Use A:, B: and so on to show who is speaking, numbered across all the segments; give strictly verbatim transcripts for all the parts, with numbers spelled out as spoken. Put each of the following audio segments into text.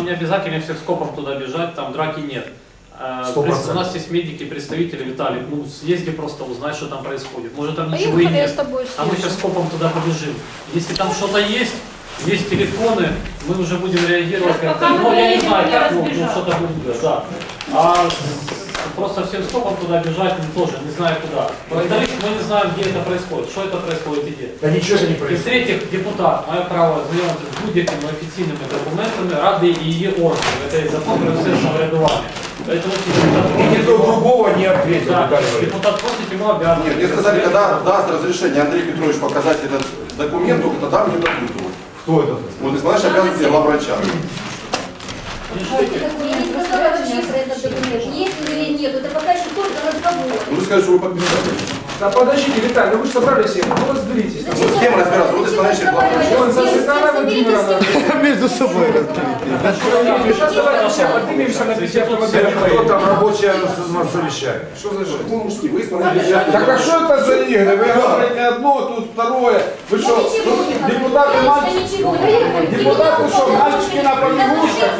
A: не обязательно всех скопом туда бежать, там драки нет.
B: сто процентов.
A: У нас есть медики, представители, Виталий, ну съезди просто узнай, что там происходит. Может там ничего
C: Поехали,
A: и нет,
C: я с тобой
A: а мы
C: съезжу.
A: сейчас скопом туда побежим. Если там что-то есть, есть телефоны, мы уже будем реагировать как-то. Ну, я не знаю, как, ну, ну что-то будет, да. А просто всем скопом туда бежать мы тоже не знаю куда. Во-вторых, мы не знаем, где это происходит, что это происходит и где.
B: Да ничего не
A: І
B: происходит.
A: в-третьих, депутат має право знайомитися з будь-якими офіційними документами Ради і її органів. Це є закон про все самоврядування. Поэтому
B: И никто другого не ответил.
A: да,
B: Виталий Валерьевич.
A: депутат просит, ему обязан.
D: Нет, мне сказали, когда даст разрешение Андрей Петрович показать этот документ, только тогда мне дадут его.
B: Кто это?
D: Вот исполняешь обязанности главврача.
E: Я не сказала вообще про этот документ, есть или нет, это пока еще только разговор.
D: Ну вы скажете, что вы подписали.
F: Да подождите, Виталий, ну вы же собрались все, ну разберитесь.
D: Вот с кем разбираться? Вот исполняющий главврач.
F: Он за Светлана Владимировна.
G: Между собой
F: Сейчас давайте все поднимемся на пяти
B: Кто
F: автомобилях.
B: там рабочее совещание?
D: Что за жизнь? Вы мужские, вы исполняющий
H: Так а что это за игры? Вы говорите одно, тут второе. Вы что, депутаты мальчики? Депутаты что, мальчики на побегушках?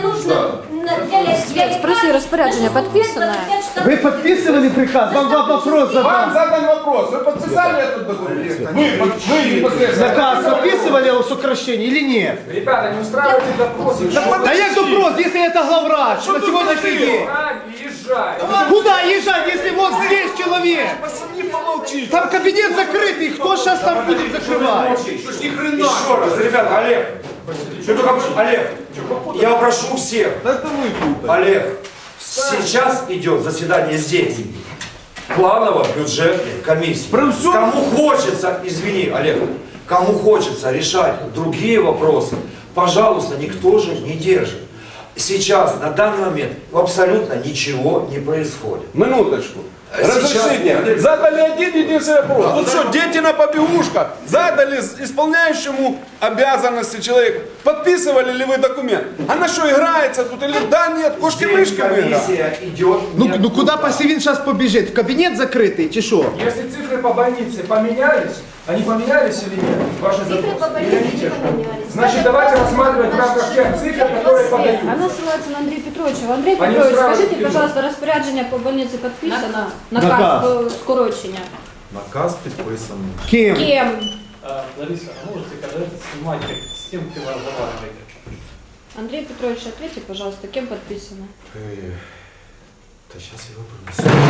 C: Спроси, распоряджение подписано?
G: Вы подписывали приказ? Вам два вопроса
H: Вам
G: задам.
H: задан вопрос. Вы подписали этот документ? Вы, вы непосредственно.
G: Заказ подписывали о сокращении или нет?
F: Ребята, не устраивайте допросы.
G: Да я вопрос, если это главврач на сегодняшний день.
F: Езжай.
G: Куда езжать, если вот здесь человек?
H: Посиди, помолчи.
G: Там кабинет закрытый, кто сейчас там будет закрывать?
H: Что ж ни хрена?
B: Еще раз, ребята, Олег. Что только... Олег, я прошу всех.
H: Да это вы тут.
B: Олег, сейчас идет заседание здесь. Планово-бюджетной комиссии. Кому хочется, извини, Олег, кому хочется решать другие вопросы, пожалуйста, никто же не держит. Сейчас, на данный момент, абсолютно ничего не происходит.
H: Минуточку.
B: Сейчас-
H: Разрешение. Задали один единственный вопрос. Вот что, дети на побегушках задали исполняющему обязанности человеку. Подписывали ли вы документ? Она что, играется тут или да, нет,
B: Здесь
H: кошки-мышки мы играем?
B: комиссия идет.
G: Ну,
B: не
G: ну куда
B: оттуда.
G: Посевин сейчас побежит? В кабинет закрытый, чи что?
F: Если цифры по больнице поменялись, они поменялись или нет? Ваши
E: Цифры по
F: запросы?
E: больнице
F: Или
E: не
F: нет?
E: поменялись.
F: Значит, давайте рассматривать в рамках тех цифр, которые подаются.
C: Она ссылается на Андрея Петровича. Андрей
F: Они
C: Петрович,
F: устраивают
C: скажите,
F: фирму.
C: пожалуйста, распоряджение по больнице подписано?
G: Наказ.
C: Наказ по скорочению.
I: Наказ підписаний.
G: Кем?
C: Кем?
A: Э, Лариса, а можете, когда это снимать, с кем ты разговариваете?
C: Андрей Петрович, ответьте, пожалуйста, кем подписано?
I: Е, Та зараз його принесу.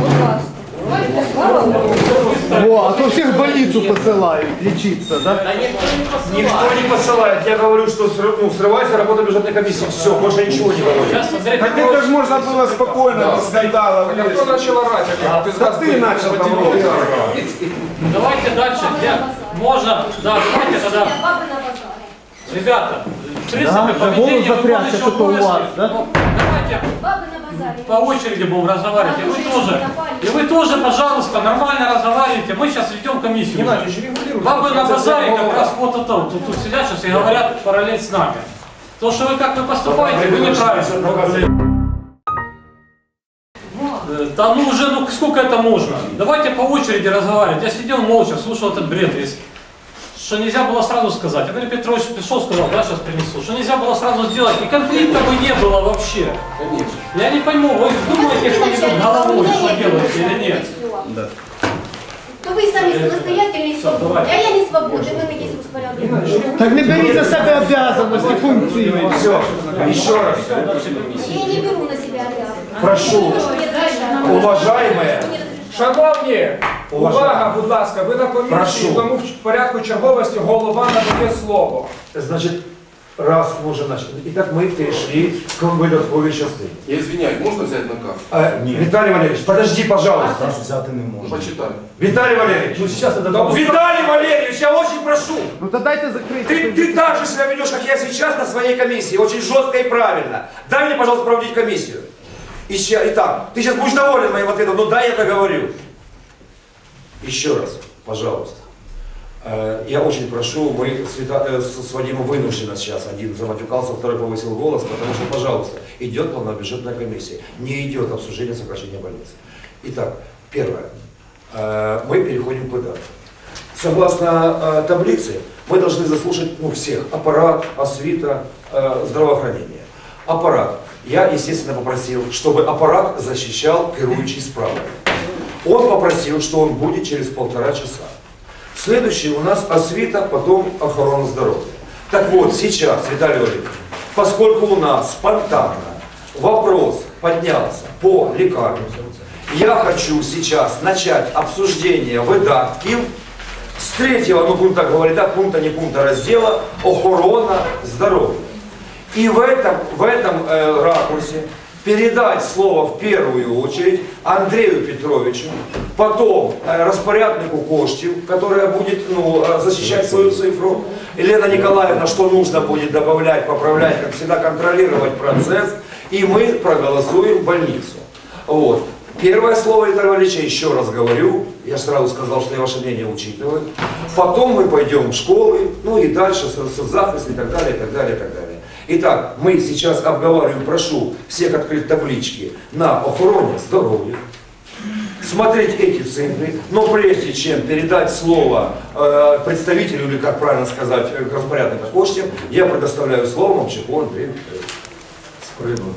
C: Будь ласка.
G: О, а то всех в больницу посылают лечиться, да?
B: Никто не посылает. Я говорю, что срыв- ну, срывается работа бюджетной комиссии. Все, больше ничего не говорю.
A: Сейчас Андрей
H: Так это
A: Петрович,
H: же можно было спокойно, без скандала.
F: Так, а кто начал орать? Олег? Ты
H: Да ты начал там рот.
A: давайте дальше. Где можно, да, давайте тогда,
E: Бабы на базаре.
A: ребята, в принципе,
G: Да,
A: поведение
G: голос запрячь,
A: выполняющего
G: это у вас,
A: обовязки.
G: да?
A: Ну, давайте
E: Бабы на базаре.
A: по очереди будем разговаривать. И вы тоже, и вы тоже, пожалуйста, нормально разговаривайте. Мы сейчас ведем комиссию.
F: Геннадий, же регулируйте.
A: Бабы на
F: Процесс
A: базаре как
F: договора.
A: раз вот это, вот тут, тут сидят сейчас и говорят параллель с нами. То, что вы как вы поступаете, вы неправильно. Э, Да ну уже, ну сколько это можно? Давайте по очереди разговаривать. Я сидел молча, слушал этот бред весь. Что нельзя было сразу сказать. Андрей Петрович пришел, сказал, да, сейчас принесу. Что нельзя было сразу сделать. И конфликта бы не было вообще.
D: Конечно.
A: Я не пойму, вы думаете что-нибудь головой, что делаете или нет?
E: Да. То вы сами самостоятельные и свободны, а я не свободна, вы на есть распорядок.
G: Так не берите за себя обязанности, функции.
B: Все, еще раз.
E: Я не беру на себя обязанность.
B: Прошу, уважаемые,
F: Шановні, увага, будь ласка, ви на комісії,
B: Прошу.
F: тому в порядку черговості голова надає слово.
B: значит, раз мы уже начали. Итак, мы перешли к выдатковой части.
D: Я извиняюсь, можно взять наказ?
B: Э, Виталий Валерьевич, подожди, пожалуйста.
I: Нас взяти не
D: Ну,
I: можна.
D: почитай.
B: Виталий Валерьевич, ну сейчас это... Виталий Валерьевич, я очень прошу.
G: Ну то дайте закрыть.
B: Ты, ты так же себя ведешь, как я сейчас на своей комиссии, очень жестко и правильно. Дай мне, пожалуйста, проводить комиссию. Ища- Итак, ты сейчас будешь доволен моим ответом, но дай я договорю. Еще раз, пожалуйста. Э, Я очень прошу, мы с, Вита- э, с с Вадимом вынуждены сейчас, один заматюкался, второй повысил голос, потому что, пожалуйста, идет планово-бюджетная комиссия, не идет обсуждение сокращения больницы. Итак, первое. Э, Мы переходим к выдаткам. согласно э, таблице, мы должны заслушать ну, всех. Аппарат, освита, э, здравоохранение. Аппарат. Я, естественно, попросил, чтобы аппарат защищал керующий справа. Он попросил, что он будет через полтора часа. Следующий у нас освита, потом охрана здоровья. Так вот, сейчас, Виталий Валерьевич, поскольку у нас спонтанно вопрос поднялся по лекарям, я хочу сейчас начать обсуждение выдатков с третьего, ну будем так говорить, да, пункта, не пункта раздела охрана здоровья. И в этом, в этом э, ракурсе передать слово в первую очередь Андрею Петровичу, потом э, распоряднику Коштев, которая будет ну, защищать свою цифру, Елена Николаевна, что нужно будет добавлять, поправлять, как всегда контролировать процесс, и мы проголосуем больницу. Вот. Первое слово Виталия Валерьевича, еще раз говорю, я сразу сказал, что я ваше мнение учитываю. Потом мы пойдем в школы, ну и дальше соцзахист и так далее, и так далее, и так далее. Итак, мы сейчас обговариваем, прошу всех открыть таблички на охране здоровья, смотреть эти цифры, но прежде чем передать слово э, представителю, или как правильно сказать, распорядника Коштев, я предоставляю слово Мовчаку Андрею Петровичу.
I: З приводу.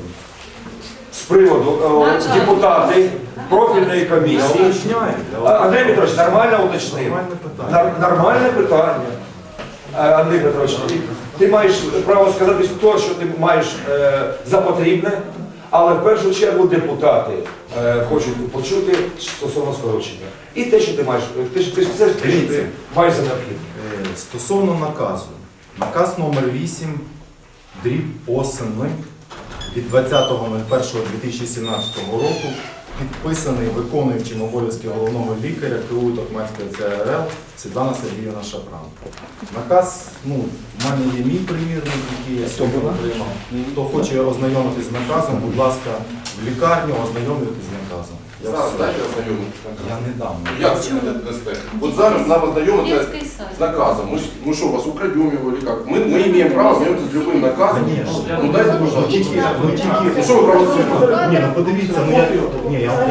B: З приводу е, депутати профільної комісії. А, Андрій Петрович, нормально уточнив.
I: Нормальне питання.
B: Нар- Нормальне питання. Е, Андрій Петрович, ти, ти маєш право сказати те, що ти маєш е, за потрібне, але в першу чергу депутати е, хочуть почути стосовно скорочення. І те, що ти маєш, ти, ж- ти, ж- це ж те, що ти маєш за необхідне.
I: Е, Стосовно наказу. Наказ номер вісім, дріб осени від двадцятого першого дві тисячі сімнадцятого року, підписаний виконуючим обов'язки головного лікаря КУ Токмацької Це Ер Ел Світлана Сергіївна Шапран. Наказ, ну, в мене є мій примірник, який я сьогодні отримав. Хто хоче ознайомитись з наказом, будь ласка, в лікарню ознайомитись з наказом. Я,
D: Зараз
I: все-
D: дайте ознайомитися.
I: я не дам.
D: Як це не дасте? От зараз нам ознайомитися з наказом. Мы, ж- мы что, вас украдем его или как? Мы, мы имеем право ознайомитися з любым наказом.
I: Конечно.
D: Ну дайте,
I: Ну,
D: пожалуйста.
I: тільки, ну, тільки.
D: Ну що ви провоцируєте?
I: Ні, ну подивіться, ну я... Ні, я...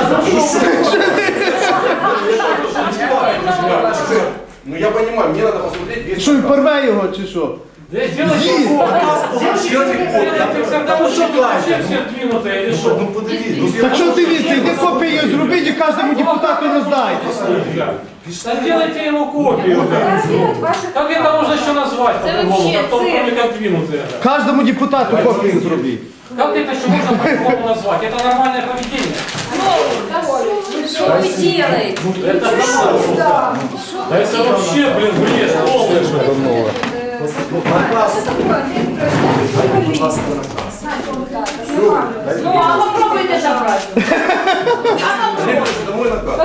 D: Ну я понимаю, мне надо посмотреть весь
G: Що, він
D: наказ.
G: порве його чи що?
A: Да сделайте Это всегда вообще все двинутые или что?
I: Ну подивіться.
G: Так що дивіться, йди копію її зробіть і кожному депутату роздайте.
A: Да сделайте ему копию. Как это можно еще назвать по-другому, как то, кроме как двинутые?
G: Кожному депутату копію зробіть.
A: Как это еще можно по-другому назвать? Это нормальное поведение.
E: Что вы делаете?
A: Это нормально. Да это вообще, блин, бред полный.
I: Наказ. Будь ласка, наказ.
E: Ну, а попробуйте забрать.
D: Это мой наказ.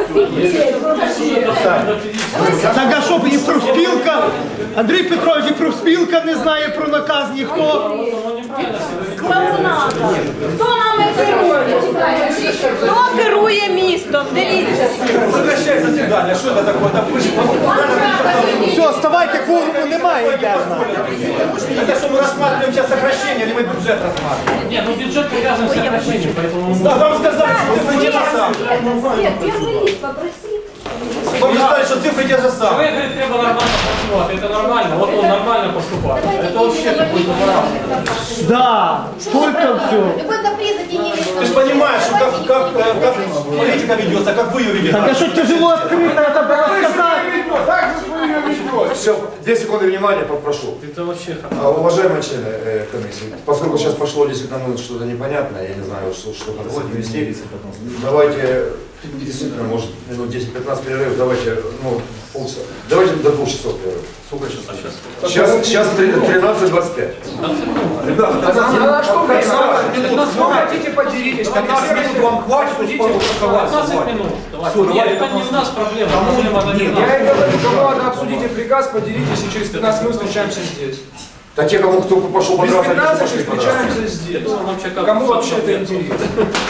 G: Так а що, і профспілка? Андрій Петрович, і профспілка не знає про наказ ніхто.
E: Клоунада. Хто нами керує? Хто керує містом? Дивіться.
F: Прекращай заседание, что это такое? Да вы же
G: Все, вставайте, кворуму немає, йдемо.
F: это что мы рассматриваем сейчас сокращение или мы бюджет рассматриваем?
A: Не, ну бюджет привязан к сокращению, поэтому мы
F: Да,
A: можем...
F: вам сказали, что цифры те же самые.
E: Нет, первый лист попроси.
F: Вам не сказали, что цифры те же самые.
A: Человек говорит, треба нормально працювати, это нормально, вот он нормально поступает. Это вообще какой-то баран.
G: Да, только все.
E: Любой каприз затяни.
F: Ты же понимаешь, что как, как, э, как политика ведется, как вы ее ведете.
G: Так а що тяжело відкрити, це було сказати.
B: Все, две секунды внимания попрошу.
A: Это вообще
B: А, Уважаемые члены э, комиссии, поскольку сейчас пошло действительно ну, что-то непонятное, я не знаю, что, что надо с этим вести, давайте, действительно, может, минут десять-пятнадцать перерыв, давайте, ну, полчаса, давайте до двух часов перерыв. Сколько часов сейчас? Сейчас, сейчас тринадцать двадцать пять. Ребята,
F: А что вы
A: пятнадцать
F: Ну, хотите поделитесь, пятнадцать минут вам хватит, судите,
A: пятнадцать минут. Давайте. Нет, это не у нас проблема, проблема это не у нас.
F: Я и говорю, кому надо обсудите приказ, поделитесь, и через пятнадцать минут встречаемся здесь.
B: да те, кому кто пошел
F: Без
B: подраться, они
F: пятнадцати
B: пошли подраться.
F: встречаемся здесь.
A: Ну, вообще как-
F: Кому вообще это интересно?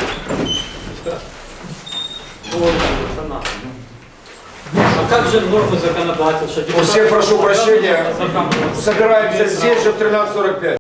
A: Ой, это надо. А как же нормы законодательства?
B: У всех прошу прощения,
A: Закон-
B: собираемся здесь же в тринадцать сорок пять.